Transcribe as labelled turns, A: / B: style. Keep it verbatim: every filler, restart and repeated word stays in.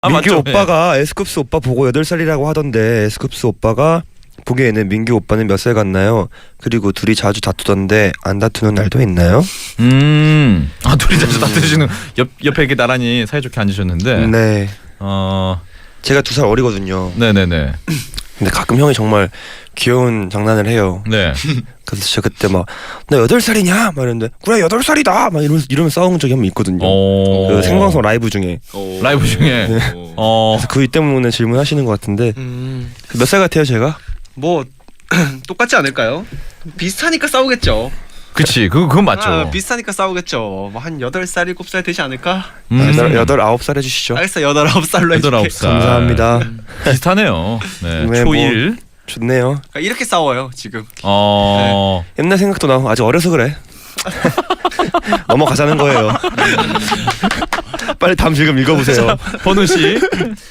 A: 아,
B: 민규
A: 맞죠?
B: 오빠가 에스쿱스 오빠 보고 여덟 살이라고 하던데 에스쿱스 오빠가 보기에는 민규 오빠는 몇 살 같나요? 그리고 둘이 자주 다투던데 안 다투는 날도 있나요?
A: 음. 아, 둘이 자주 다투시는 옆 옆에 이렇게 나란히 사이좋게 앉으셨는데.
B: 네.
A: 어.
B: 제가 두 살 어리거든요.
A: 네네네.
B: 근데 가끔 형이 정말 귀여운 장난을 해요.
A: 네.
B: 그래서 제가 그때 막 나 여덟 살이냐? 막 이랬는데 그래 여덟 살이다! 막 이러면서, 이러면서 싸운 적이 한 번 있거든요.
A: 오.
B: 그 생방송 라이브 중에.
C: 오.
A: 라이브 중에. 어.
B: 그래서 그 때문에 질문하시는 것 같은데
C: 음.
B: 몇 살 같아요 제가?
C: 뭐 똑같지 않을까요? 비슷하니까 싸우겠죠.
A: 그치. 그 그건 맞죠.
C: 아, 비슷하니까 싸우겠죠. 뭐 한 여덟 살 일곱 살 되지 않을까?
A: 음.
B: 여덟, 여덟 아홉 살 해주시죠.
C: 알겠어. 여덟 아홉 살로 해줄게.
A: 여덟 아홉 살.
B: 감사합니다.
A: 비슷하네요. 네.
B: 네, 뭐.
A: 초일.
B: 좋네요.
C: 그러니까 이렇게 싸워요 지금.
A: 어.
B: 옛날 생각도 나고 아직 어려서 그래. 넘어가자는 거예요. 빨리 다음 질문 읽어보세요.
A: 번우 씨.